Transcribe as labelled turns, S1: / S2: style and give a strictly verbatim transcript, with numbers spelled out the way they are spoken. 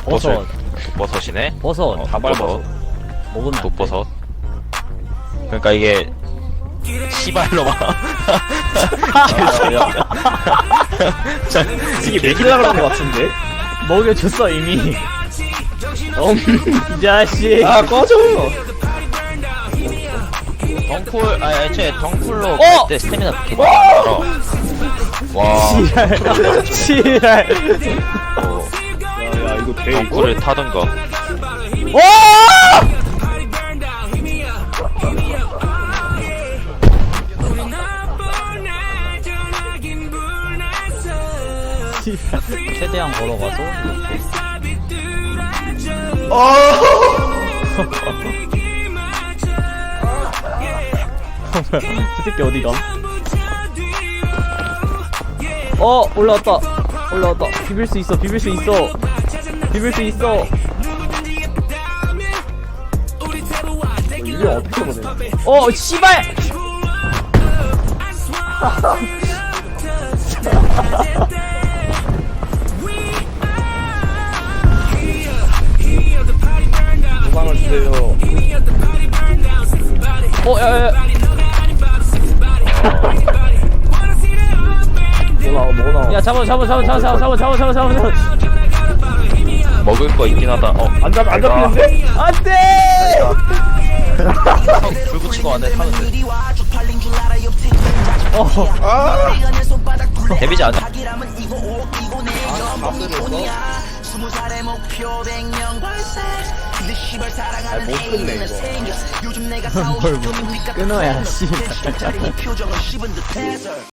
S1: 버섯.
S2: 독버섯이네.
S1: 버섯.
S2: 어,
S1: 다발버섯. 먹으면 안 돼.
S2: 독버섯. 그러니까 이게 씨발로만.
S3: 이게 먹이려고 그런 것 같은데?
S1: 먹여줬어 이미. 음, 이 자식.
S3: 아 꺼져!
S2: 덩쿨, 아, 애초에 덩쿨로
S1: 어!
S2: 갈 때 스태미나 그렇게 많아. 와.
S1: 지랄. 지랄.
S2: 어,
S3: 야야 이거 돼 이거?
S2: 덩쿨을 타던가.
S1: 오! 최대한 걸어가서 저 새끼 어디가? 어 올라왔다 올라왔다 비빌 수 있어 비빌 수 있어 비빌 수 있어.
S3: 이게 어떻게 보내?
S1: 어 씨발.
S3: 도망을 주세요.
S1: 어 야야야.
S3: 뭐 나와 뭐 나와?
S1: 야 잡아 잡아 잡아 잡아 잡아 잡아 잡아 잡아 잡아.
S2: 먹을 거 있긴 하다. 어,
S3: 안 잡, 안 잡히는데?
S1: 안돼.
S2: 불 붙이고 안에 타는데.
S1: 어.
S2: 데미지 안 나.
S3: 아못 끝내 이거.
S1: 뭘 끊어야 씨.